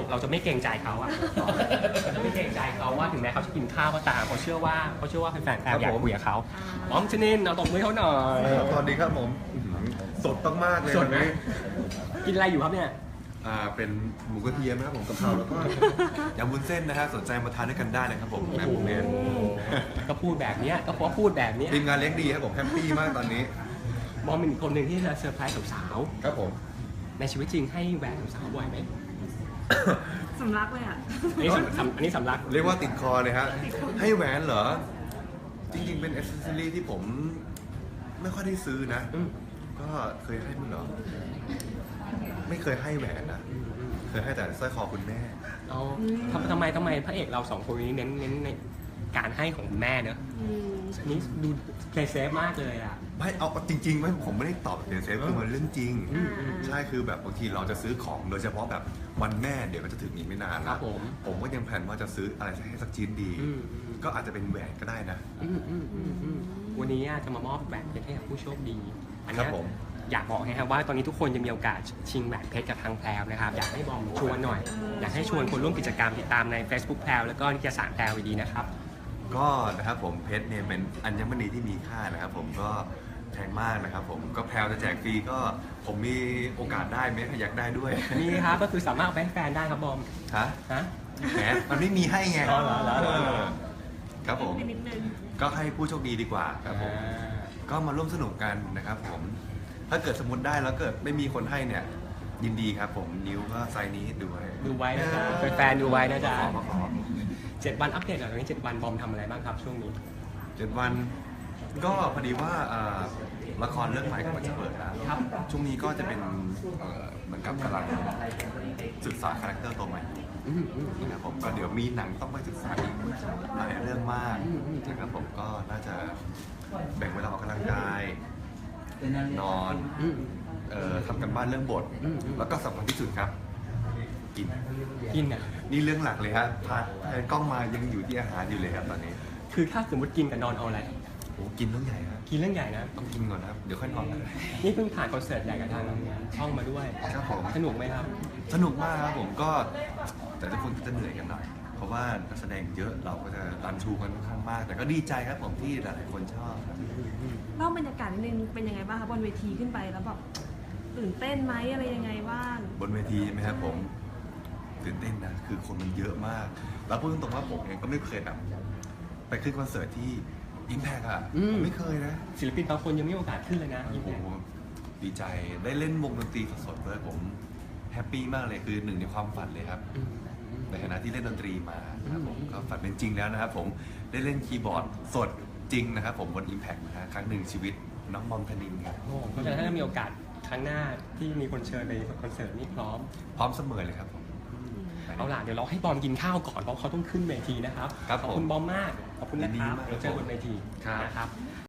เราจะไม่เกรงใจเขาอะเราจะไม่เกรงใจเขาว่าถึงแม้เขาจะกินข้าวก็ตามเขาเชื่อว่าแฟนๆอยากคุยกับเขาอ๋อมชนินเอาตบมือเขาหน่อยสวัสดีครับผมสดมากๆเลยสดวันไหมนี้กินอะไรอยู่ครับเนี่ยเป็นหมูกระเทียมนะครับผมกะเพราแล้วก็ยำวุ้นเส้นนะฮะสนใจมาทานด้วยกันได้นะครับผมแบบผมเนี่ยก็พูดแบบเนี้ยก็เพราะพูดแบบเนี้ยทีมงานเลี้ยงดีครับผมแฮปปี้มากตอนนี้บอมเป็นอีกคนหนึ่งที่จะเซอร์ไพรส์สาวครับผมๆในชีวิตจริงให้แหวนสาวบ่อยไหมสำลักเลยอ่ะอันนี้สำลักเรียกว่าติดคอเลยฮะให้แหวนเหรอจริงๆเป็นอ c เซสซอรี่ที่ผมไม่ค่อยได้ซื้อนะ ก็เคยให้มั้งเหรอไม่เคยให้แหวนนะเคยให้แต่สร้อยคอคุณแม่เอาทำไมพระเอกเราสองคนนี้เน้นในการให้ของคุณแม่เนอะอันนี้ดูเพลย์เซฟมากเลยอ่ะไม่เอาจริงๆไม่ผมไม่ได้ตอบเสียเซฟคือมันเรื่องจริงใช่คือแบบบางทีเราจะซื้อของโดยเฉพาะแบบวันแม่เดี๋ยวมันจะถึงอีกไม่นานครัแล้บวผมก็ยังแผนว่าจะซื้ออะไรให้สักชิ้นดี ก็อาจจะเป็นแหวนก็ได้นะวันนี้จะมามอบแหวนเพชรให้กับผู้โชคดีอันครัเนี้บยผมอยากบอกนะครับว่าตอนนี้ทุกคนจะมีโอกาสชิงแหวนเพชรกับทางแพรวนะครับอยากให้บอมชวนหน่อย อยากให้ชวนคนร่วมกิจกรรมติดตามใน Facebook แพรวแล้วก็นิตยสารแพรวดีนะครับก็นะครับผมเพชรเนี่ยเป็นอัญมณีที่มีค่านะครับผมก็แพงมากนะครับผมก็แพลวจะแจกฟรีก็ผมมีโอกาสได้ไหมอยากได้ด้วยนี่ครับก็คือสามารถเอาไปให้แฟนได้ครับบอมฮะฮะแหมมันไม่มีให้ไงอ๋อเหรอเหรอครับผมนิดนึงก็ให้ผู้โชคดีดีกว่าครับผมก็มาร่วมสนุกกันนะครับผมถ้าเกิดสมมติได้แล้วเกิดไม่มีคนให้เนี่ยยินดีครับผมนิ้วก็ไซส์นี้ดูไว้ดูไว้นะจ๊ะแฟนๆดูไว้นะจ๊ะขอ 7 วันอัปเดตหน่อยตอนนี้7 วันบอมทำอะไรบ้างครับช่วงนี้ 7 วันก็พอดีว่าละครเรื่องใหม่กำลังจะเปิดแล้วครับช่วงนี้ก็จะเป็นเหมือนกับกำลังศึกษาคาแรคเตอร์ตัวใหม่นะครับผมก็เดี๋ยวมีหนังต้องไปศึกษาอีกหลายเรื่องมากนะครับผมก็น่าจะแบ่งเวลาออกกำลังกายนอนทำกันบ้านเรื่องบท แล้วก็สำคัญที่สุดครับกินกินอ่ะนี่เรื่องหลักเลยฮะพาแทนกล้องมายังอยู่ที่อาหารอยู่เลยครับตอนนี้คือถ้าสมมติกินกับนอนเอาอะไรโอ้กินต้องใหญ่ฮะกินเรื่องใหญ่นะต้องกินก่อนนะครับเดี๋ยวค่อยนอนกันนี่เพิ่งผ่านคอนเสิร์ตใหญ่กับทางช่องมาด้วยครับผมสนุกไหมครับสนุกมากครับผมก็แต่ทุกคนก็จะเหนื่อยกันหน่อยเพราะว่านักแสดงเยอะเราก็จะรันชูกันค่อนข้างมาก แต่ก็ดีใจครับผมที่หลายๆคนชอบครับๆเล่าบรรยากาศนิดนึงเป็นยังไงบ้างคะบนเวทีขึ้นไปแล้วแบบตื่นเต้นไหมอะไรยังไงบ้างบนเวทีใช่ไหมครับผมตื่นเต้นนะคือคนมันเยอะมาก แล้วพูดตรงๆว่าผมเองก็ไม่เคยแบบไปขึ้นคอนเสิร์ตที่อิมแพกอะผมไม่เคยนะศิลปินบางคนยังไม่มีโอกาสขึ้นเลยนะโอ้โหดีใจได้เล่นวงดนตรีสดๆด้วยผมแฮปปี้มากเลยคือหนึ่งในความฝันเลยครับในฐานะที่เล่นดนตรีมานะครับผมก็ฝันเป็นจริงแล้วนะครับผมได้เล่นคีย์บอร์ดสดจริงนะครับผมบน Impact นะฮะครั้งหนึ่งชีวิตน้องบอมธนินครับโอ้เพราะฉะนั้นถ้ามีโอกาสครั้งหน้าที่มีคนเชิญไปคอนเสิร์ตนี่พร้อมพร้อมเสมอเลยครับผมเอาล่ะเดี๋ยวเราให้บอมกินข้าวก่อนเพราะเขาต้องขึ้นเวทีนะครับครับขอบคุณบอมมากขอบคุณนะครับยินดีมากเดี๋ยวเจอบนเวทีครับนะครับ